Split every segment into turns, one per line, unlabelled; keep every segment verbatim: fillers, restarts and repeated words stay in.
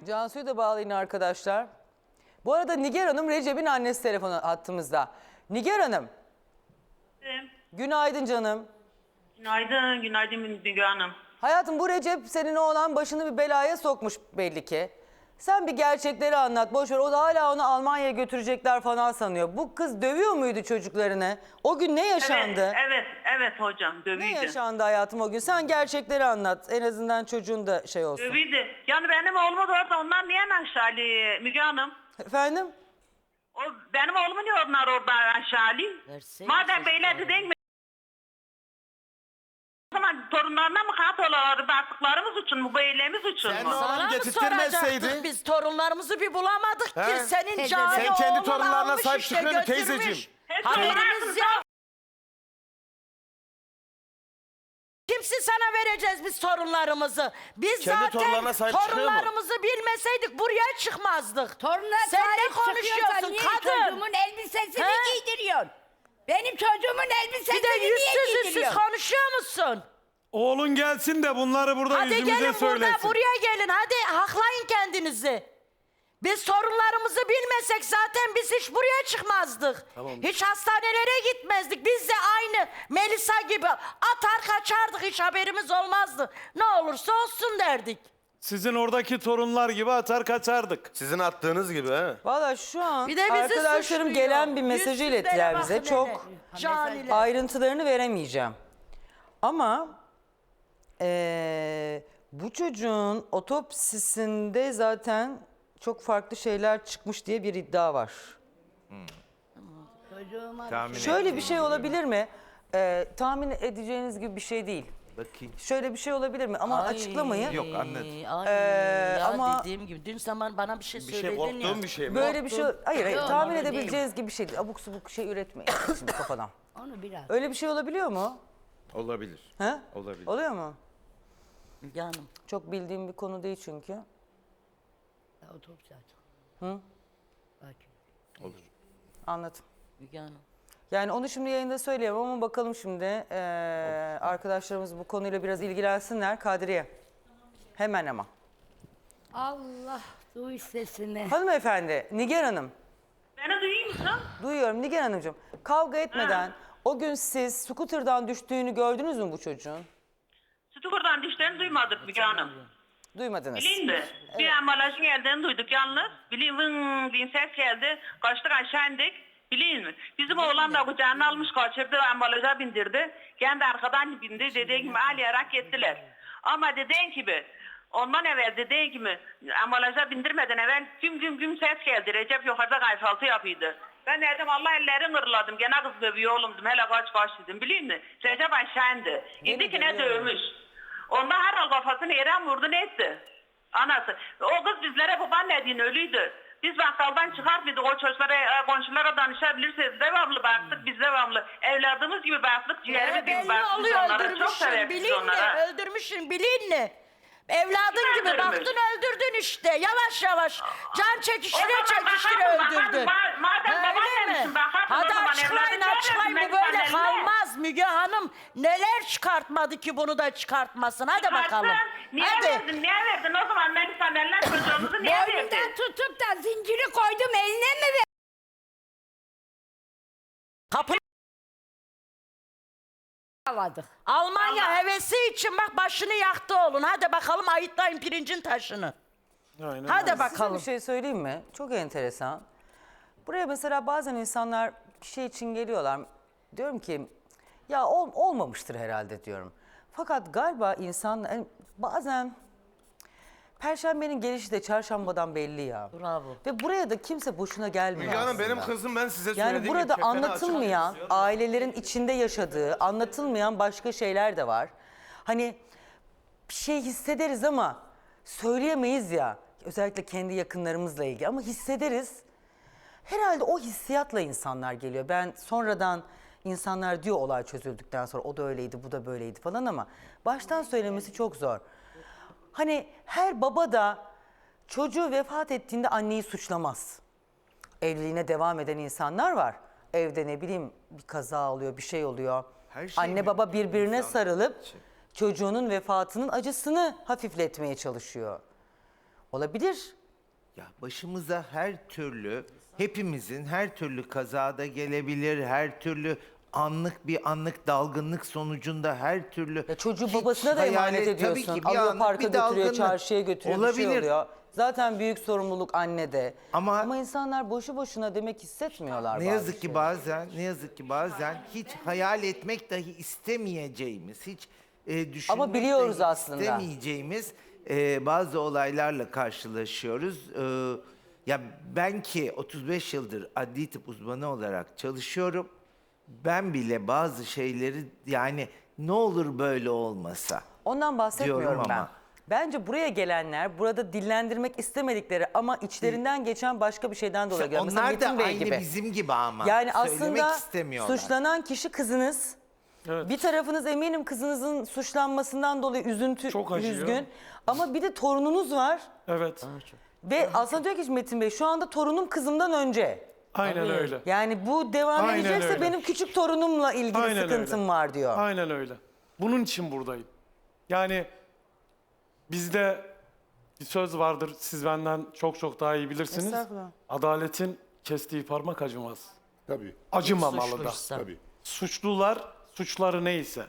Cansu'yu da bağlayın arkadaşlar. Bu arada Nigar Hanım Recep'in annesi telefonu hattımızda. Nigar Hanım.
Evet.
Günaydın canım.
Günaydın, günaydın Müge Hanım.
Hayatım bu Recep senin oğlan başını bir belaya sokmuş belli ki. Sen bir gerçekleri anlat. Boş ver. O da hala onu Almanya'ya götürecekler falan sanıyor. Bu kız dövüyor muydu çocuklarını? O gün ne yaşandı?
Evet, evet, evet hocam,
Ne
dövüydü.
yaşandı hayatım o gün? Sen gerçekleri anlat. En azından çocuğun da şey olsun.
Dövüydü. Yani benim oğlumu da orada onlar niye aşağılı Müge Hanım?
Efendim?
O, benim oğlumu niye onlar orada aşağılı?
Verseydi
Madem
çocuklara.
böyle değil mi? O zaman torunlarına mı katıyorlar? Baktıklarımız için mi? Bu eylemiz için
Sen
mi?
o-
Sana mı
getirttirmeseydi?
soracaktık biz? Torunlarımızı bir bulamadık ki.
He?
Senin
Teyze,
cani
sen kendi
oğlun
torunlarına
almış
sahip
işte,
çıkıyorsun
götürmüş.
teyzeciğim.
Hep
Haberimiz
torunlarımız
yok. Kimsi sana vereceğiz biz torunlarımızı. Biz
Kendi torunlarına
zaten
sahip çıkıyor mu?
torunlarımızı bilmeseydik buraya çıkmazdık.
Torununa
Sen ne
sahip çıkıyorsan
konuşuyorsun
niye
kadın?
çocuğumun elbisesini
He?
giydiriyorsun? Benim çocuğumun elbisesini
Bir de
niye
yüzsüz yüzsüz
giydiriyorsun?
konuşuyor musun?
Oğlun gelsin de bunları burada
Hadi
yüzümüze
gelin
söylesin.
burada buraya gelin. Hadi haklayın kendinizi. Biz torunlarımızı bilmesek zaten biz hiç buraya çıkmazdık. Hiç hastanelere gitmezdik. Biz de aynı Melisa gibi atar kaçardık. Hiç haberimiz olmazdı. Ne olursa olsun derdik.
Sizin oradaki torunlar gibi atar kaçardık.
Sizin attığınız gibi he.
Valla şu an
Bir de bizi
arkadaşlarım
suçluyor.
gelen bir mesajı
Yüzsüzlere
ilettiler bize.
bakın
Çok
hele. Caniler.
ayrıntılarını veremeyeceğim. Ama eee, bu çocuğun otopsisinde zaten çok farklı şeyler çıkmış diye bir iddia var.
Çocuğuma
Şöyle bir şey olabilir mi? Eee, tahmin edeceğiniz gibi bir şey değil.
Bakayım.
Şöyle bir şey olabilir mi? Ama
Ay,
açıklamayı.
Yok, anlat.
Ay,
Ee,
ya
ama-
dediğim gibi dün zaman bana bir şey
Bir
söyledin
şey
ya.
korktuğum bir şey mi?
Böyle bir şey, hayır hayır
Yok,
tahmin
öyle
edebileceğiniz gibi bir şey değil. Abuk subuk şey üretmeyin şimdi kafadan.
onu biraz.
Öyle bir şey olabiliyor mu?
Olabilir.
He?
Olabilir.
Oluyor mu?
Müge Hanım.
Çok bildiğim bir konu değil çünkü.
Ya, otobüs aç.
Hı?
Bak.
Olur.
Anladım.
Müge Hanım.
Yani onu şimdi yayında söyleyemem ama bakalım şimdi eee, arkadaşlarımız bu konuyla biraz ilgilensinler. Kadriye. Hemen ama.
Allah duy sesini.
Hanımefendi, Nigar Hanım.
Beni duyuyor musun?
Duyuyorum Nigar Hanımcığım. Kavga etmeden o gün siz scooter'dan düştüğünü gördünüz mü bu çocuğun?
Stukur'dan dişlerini duymadık Müge Hanım.
Duymadınız.
Bileyim de. Bir ambalajın geldiğini duyduk yalnız. Bileyim vın diye ses geldi. Kaçtık aşağı indik. Bileyim mi? Bizim oğlan da kucağına almış kaçırdı ambalaja bindirdi. Kendi arkadan bindi. Dediği gibi ağlayarak gittiler. Ama dediğin gibi ondan evvel dediğin gibi ambalaja bindirmeden evvel güm güm güm ses geldi. Recep yukarıda kayfaltı yapıyordu. Ben dedim Allah ellerini kırladım. Gene kız dövüyor oğlum dedim. Hele kaç kaç dedim. Bileyim mi? Recep aşağı indi. İndi ki ne dövmüş. Ondan herhal kafasını yere vurdu ne etti? Anası. O kız bizlere babaannediğin ölüydü. Biz bakkaldan çıkartmadık. O çocuklara, e, komşulara danışabilirsiniz. Devamlı baktık. Biz devamlı. Evladımız gibi baktık. Ciğerimiz
Ee,
gibi
belli
baktık biz
oluyor
onlara. Çok
öldürmüşsün
severiz biz
bilinle
onlara.
öldürmüşsün bilinle. Evladın
Kim
gibi
öldürmüş?
baktın öldürdün işte yavaş yavaş can çekiştire
O zaman
çekiştire
bakarsın,
öldürdün.
bakarsın. Madem
Öyle
babaannemişsin,
mi?
bakarsın o
Hadi
zaman
açıklayın
evladın
açıklayın bu
nerede?
böyle
Sen
kalmaz Müge Hanım. Neler çıkartmadı ki bunu da çıkartmasın hadi bakalım.
Çıkarttın. Niye
Hadi.
verdin? Niye verdin? O zaman Melisa eller çocuğumuzu niye verdin?
Boynundan tutup da zinciri koydum eline mi ver?
Kapı
Aladık.
Almanya
Allah.
hevesi için bak başını yaktı oğlun. Hadi bakalım ayıtlayın pirincin taşını.
Aynen.
Hadi
Size
bakalım.
bir şey söyleyeyim mi? Çok enteresan. Buraya mesela bazen insanlar bir şey için geliyorlar. Diyorum ki ya ol, olmamıştır herhalde diyorum. Fakat galiba insan yani bazen Perşembenin gelişi de çarşambadan belli ya.
Bravo.
Ve buraya da kimse boşuna gelmiyor
Müge Hanım
aslında.
benim kızım ben size
Yani
söylediğim
burada
gibi kefeni
anlatılmayan,
açık.
ailelerin içinde yaşadığı, anlatılmayan başka şeyler de var. Hani bir şey hissederiz ama söyleyemeyiz ya. Özellikle kendi yakınlarımızla ilgili ama hissederiz. Herhalde o hissiyatla insanlar geliyor. Ben sonradan insanlar diyor olay çözüldükten sonra o da öyleydi, bu da böyleydi falan ama baştan söylemesi çok zor. Hani her baba da çocuğu vefat ettiğinde anneyi suçlamaz. Evliliğine devam eden insanlar var. Evde ne bileyim bir kaza oluyor, bir şey oluyor.
Her şey
Anne
mi?
baba birbirine
İnsan-
sarılıp çocuğunun vefatının acısını hafifletmeye çalışıyor. Olabilir.
Ya başımıza her türlü, hepimizin her türlü kazada gelebilir, her türlü anlık bir anlık dalgınlık sonucunda her türlü...
Ya çocuğu
hiç
babasına da
hayal
emanet
et- tabii
ediyorsun.
ki bir
Alıyor
anlık
parka
bir
götürüyor,
dalgınlık.
çarşıya götürüyor, bir şey
Olabilir.
oluyor. Zaten büyük sorumluluk annede.
Ama-
Ama insanlar boşu boşuna demek hissetmiyorlar.
Ne
bazı
yazık ki
şeyleri.
bazen, ne yazık ki bazen hiç hayal etmek dahi istemeyeceğimiz, hiç e, düşünmek
Ama biliyoruz
dahi
aslında.
istemeyeceğimiz e, bazı olaylarla karşılaşıyoruz. E, ya ben ki otuz beş yıldır adli tıp uzmanı olarak çalışıyorum. Ben bile bazı şeyleri yani ne olur böyle olmasa.
Ondan bahsetmiyorum
Diyorum
ben.
ama.
Bence buraya gelenler burada dillendirmek istemedikleri ama içlerinden geçen başka bir şeyden dolayı geliyor. Mesela
Onlar da
Metin Bey
aynı
gibi.
bizim gibi ama.
Yani
Söylemek
aslında
istemiyorlar.
suçlanan kişi kızınız.
Evet.
Bir tarafınız eminim kızınızın suçlanmasından dolayı üzüntü,
Çok acıyor.
üzgün. Ama bir de torununuz var.
Evet.
Ve aslında diyor ki Metin Bey şu anda torunum kızımdan önce.
Aynen öyle.
Yani bu devam
Aynen
edecekse
öyle.
benim küçük torunumla ilgili
Aynen
sıkıntım
öyle.
var diyor.
Aynen öyle. Bunun için buradayım. Yani bizde bir söz vardır. Siz benden çok çok daha iyi bilirsiniz.
Estağfurullah.
Adaletin kestiği parmak acımaz.
Tabii,
Acımamalı da.
Suçluysa.
tabii.
Suçlular suçları neyse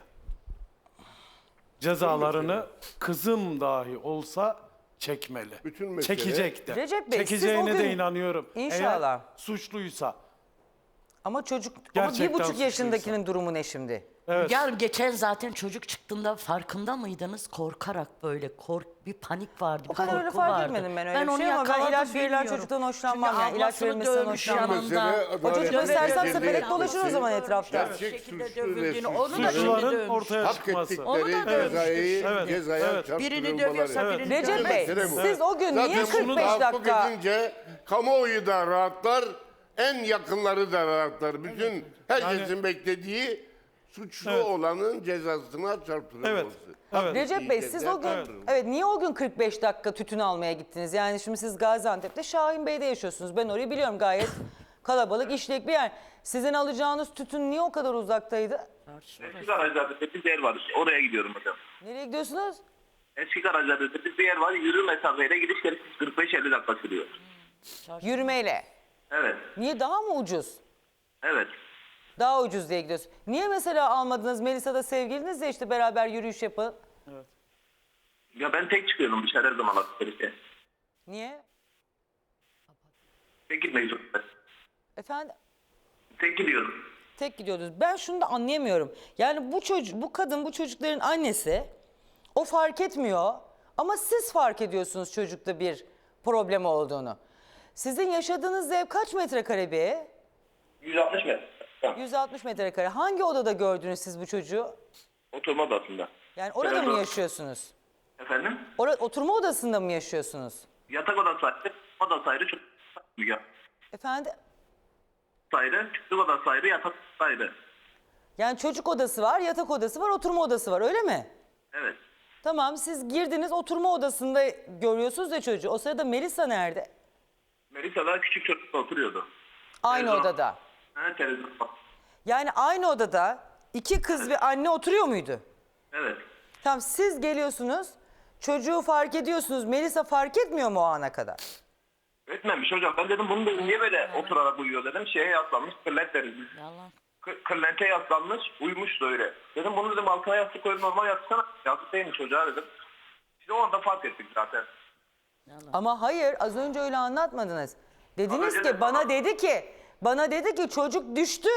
cezalarını kızım dahi olsa çekmeli.
Bütün mesele-
Çekecek de.
Recep Bey, siz
Çekeceğine
o gün-
de inanıyorum.
İnşallah.
Eğer suçluysa.
Ama çocuk, ama bir
Gerçekten
buçuk
suçluysa.
yaşındakinin durumu ne şimdi?
Evet.
Yarın geçen zaten çocuk çıktığında farkında mıydınız? Korkarak böyle kork bir panik vardı.
O
bir
kadar öyle
korku
fark
vardı.
etmedim ben öyle bir
onu
şey ama ben
yakaladım,
ilaç verilen
bilmiyorum.
çocuktan hoşlanmam
Çünkü
yani. İlaç
ablasını
verilmesinden
dövmüş
hoşlanmam.
yanında.
Mesele
O çocuk
adalet
göstersem
merkezinde
sepelek dolaşır o zaman etrafta.
Gerçek
şekilde
suçlu
dövüldüğünü,
ve
onu da
suçluların
Suçluların
dövmüş.
ortaya
hak
çıkması.
Onu da
ettikleri
dövmüştür.
cezayı,
Evet,
cezaya
evet.
Birini dövüyorsa
çarptırılmaları.
birini
Recep Bey,
Mesele bu.
siz o gün niye
Zaten
kırk
bunu
beş
tahakkuk
dakika...
edince kamuoyu da rahatlar, en yakınları da rahatlar. Bütün herkesin beklediği suçlu
Evet.
olanın cezasına çarptırılması.
Evet. Evet.
Recep Bey siz o gün,
Evet.
evet niye o gün kırk beş dakika tütün almaya gittiniz? Yani şimdi siz Gaziantep'te Şahin Bey'de yaşıyorsunuz. Ben orayı biliyorum gayet kalabalık, işlek bir yer. Sizin alacağınız tütün niye o kadar uzaktaydı?
Eski garajlarda bir yer var. Oraya gidiyorum hocam.
Nereye gidiyorsunuz?
Eski garajlarda bir yer var. Yürü mesafeyle gidiş geliş kırk beş elli dakika sürüyor.
Yürümeyle.
Evet.
Niye daha mı ucuz?
Evet.
Daha ucuz diye gidiyorsun. Niye mesela almadınız Melisa'da sevgilinizle işte beraber yürüyüş yapın?
Ya ben tek çıkıyorum dışarı her zaman alışverişe.
Niye?
Tek gitmek zorundayım.
Efendim?
Tek gidiyorum.
Tek gidiyordunuz. Ben şunu da anlayamıyorum. Yani bu çocuk, bu kadın, bu çocukların annesi o fark etmiyor ama siz fark ediyorsunuz çocukta bir problem olduğunu. Sizin yaşadığınız ev kaç metrekare bir ev?
yüz altmış metre. Tamam.
yüz altmış metrekare. Hangi odada gördünüz siz bu çocuğu?
Oturma odasında.
Yani orada
Evet,
mı
o-
yaşıyorsunuz?
Efendim?
Ora, oturma odasında mı yaşıyorsunuz?
Yatak odası ayrı, odası ayrı, çocuk odası ayrı.
Efendim?
ayrı, çocuk odası ayrı, yatak odası ayrı.
Yani çocuk odası var, yatak odası var, oturma odası var öyle mi?
Evet.
Tamam siz girdiniz oturma odasında görüyorsunuz ya çocuğu. O sırada Melisa nerede?
Melisa da küçük çocukla oturuyordu.
Aynı
Televizyon.
odada.
Ha, televizyon.
Yani aynı odada iki kız ve anne oturuyor muydu?
Evet.
Tamam siz geliyorsunuz, çocuğu fark ediyorsunuz. Melisa fark etmiyor mu o ana kadar?
Etmemiş hocam. Ben dedim bunu da niye böyle oturarak uyuyor dedim. Şeye yaslanmış, kırlent deriz biz.
Yalan.
K- kırlente yaslanmış, uyumuş da öyle. Dedim bunu dedim altına yastık koyup normal yatsana. Yastık değilmiş çocuğa dedim. İşte o anda fark ettik zaten.
Ama hayır az önce öyle anlatmadınız. Dediniz
Ama
ki bana dedi ki bana dedi ki çocuk düştü.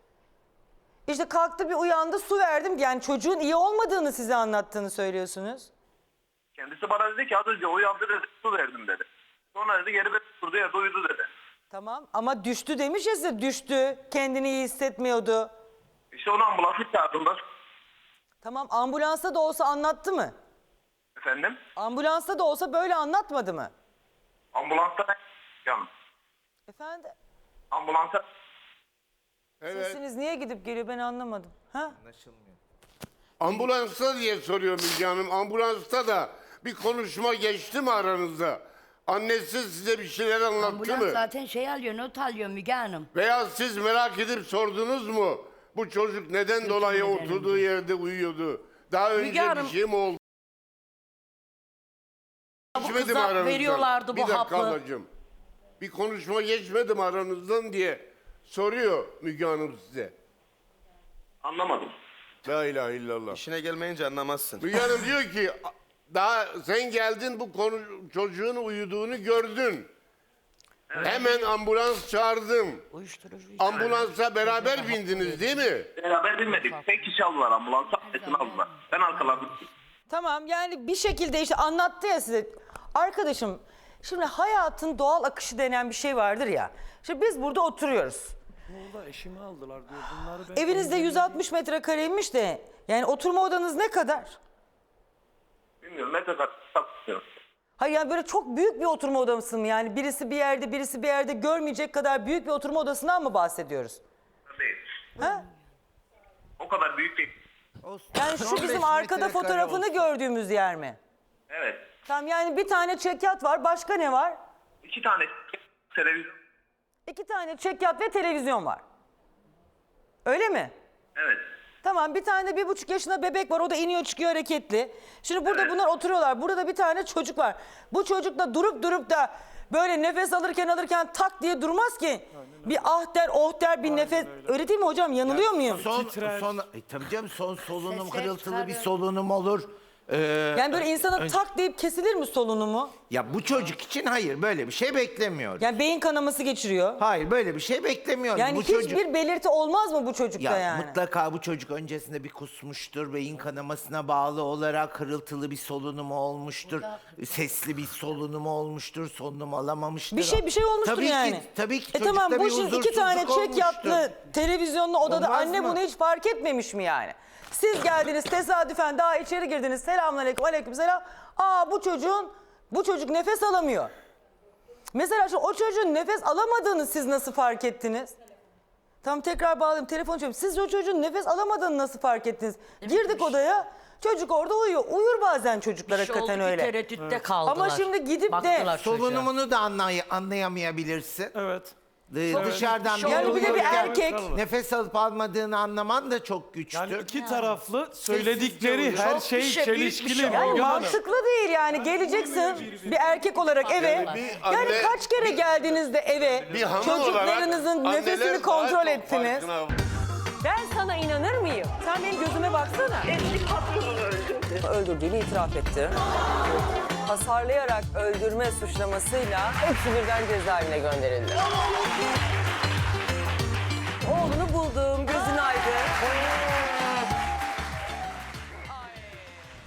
İşte kalktı bir uyandı su verdim. Yani çocuğun iyi olmadığını size anlattığını söylüyorsunuz.
Kendisi bana dedi ki az önce uyandı dedi, su verdim dedi. Sonra dedi geri bir durdu yerde uyudu dedi.
Tamam ama düştü demiş ya size düştü. Kendini iyi hissetmiyordu.
İşte onu ambulansı çağırdığımda
Tamam ambulansta da olsa anlattı mı?
efendim
Ambulansta da olsa böyle anlatmadı mı?
ambulansta ben yani
Efendim?
ambulansa
Evet.
Sesiniz niye gidip geliyor ben anlamadım. Ha?
Anlaşılmıyor.
Ambulansta diye soruyor Müge Hanım. Ambulansta da bir konuşma geçti mi aranızda? Annesi size bir şeyler anlattı
Ambulans
mı?
zaten şey alıyor, not alıyor Müge Hanım.
Veya siz merak edip sordunuz mu? Bu çocuk neden dolayı
ederim.
oturduğu yerde uyuyordu? Daha önce
Hanım-
bir şey mi oldu? Geçmedim
kıza
aranızdan.
veriyorlardı bu
bir dakika
hapı.
ablacığım. Bir konuşma geçmedim aranızdan diye soruyor Müge Hanım size.
Anlamadım.
La ilahe illallah.
İşine gelmeyince anlamazsın.
Müge Hanım diyor ki daha sen geldin bu konu, çocuğun uyuduğunu gördün. Hemen ambulans çağırdım. Ambulansa beraber bindiniz değil mi?
Beraber binmedik. Tek kişi aldılar ambulansa. Esini aldılar. Ben arkalardım.
Tamam yani bir şekilde işte anlattı ya size. Arkadaşım şimdi hayatın doğal akışı denen bir şey vardır ya. Şimdi biz burada oturuyoruz.
Burada eşimi aldılar diyor. Bunları ben
Evinizde yüz altmış metrekareymiş de yani oturma odanız ne kadar?
Bilmiyorum ne kadar satmıyorum.
Hayır yani böyle çok büyük bir oturma odası mı? Yani birisi bir yerde birisi bir yerde görmeyecek kadar büyük bir oturma odasından mı bahsediyoruz?
Değil.
Ha?
O kadar büyük değil.
Yani şu
on beş
bizim arkada
metrekare
fotoğrafını
olsun.
gördüğümüz yer mi?
Evet.
Tamam yani bir tane çekyat var. Başka ne var?
İki tane televizyon.
İki tane çekyat ve televizyon var. Öyle mi?
Evet.
Tamam bir tane de bir buçuk yaşında bebek var. O da iniyor çıkıyor hareketli. Şimdi burada bunlar oturuyorlar. Burada da bir tane çocuk var. Bu çocuk da durup durup da böyle nefes alırken alırken tak diye durmaz ki. Bir ah der oh der bir nefes. Öyle. değil mi hocam? Yanılıyor muyum?
Son,
Titrer.
son, e, tabii canım son solunum
Sesler
hırıltılı bir
çıkarıyor.
solunum olur. Ee,
Yani böyle insana tak deyip kesilir mi solunumu?
ya bu çocuk için hayır böyle bir şey beklemiyoruz.
Yani beyin kanaması geçiriyor.
Hayır böyle bir şey beklemiyoruz.
Yani
bu
hiçbir
çocuk
belirti olmaz mı bu çocukta
ya
yani?
mutlaka bu çocuk öncesinde bir kusmuştur. Beyin kanamasına bağlı olarak hırıltılı bir solunumu olmuştur. Sesli bir solunumu olmuştur. Solunum alamamıştır.
Bir şey bir şey olmuştur
tabii
yani.
Ki, tabii ki
E
çocukta
tamam bu
bir
şimdi iki tane
huzursuzluk
çekyatlı
olmuştur.
televizyonlu odada
Olmaz
anne
mı?
bunu hiç fark etmemiş mi yani? Siz geldiniz tesadüfen daha içeri girdiniz. Selamünaleyküm aleykümselam. Aa bu çocuğun bu çocuk nefes alamıyor. Mesela şu o çocuğun nefes alamadığını siz nasıl fark ettiniz? Tamam tekrar bağlayayım telefon çalıyorum. Siz o çocuğun nefes alamadığını nasıl fark ettiniz? Girdik odaya. Çocuk orada uyuyor. Uyur bazen çocuklar
Bir şey oldu
hakikaten
ki
öyle.
tereddütte kaldılar.
Ama şimdi gidip de
Baktılar çocuğa.
Solunumunu da anlay anlayamayabilirsin.
Evet.
Ee, Dışarıdan
şey
Yani bir de bir
duyulurken
erkek.
nefes alıp almadığını anlaman da çok güçtür.
Yani iki taraflı söyledikleri
Sessizce
her
uyuyor.
şey
Çok bir şey, büyük bir
çelişkili.
şey.
Müge
Yani
Hanım.
mantıklı değil yani geleceksin bir erkek olarak eve.
Yani bir
Yani
anne-
kaç kere geldiğinizde eve
Bir hanım olarak
çocuklarınızın
anneler
nefesini
daha
kontrol
çok
ettiniz.
farkına-
Ben sana inanır mıyım? Sen benim gözüme baksana.
Eski patronunu öldürdü.
Öldürdüğünü itiraf etti. Hasarlayarak öldürme suçlamasıyla hepsi birden cezaevine gönderildi.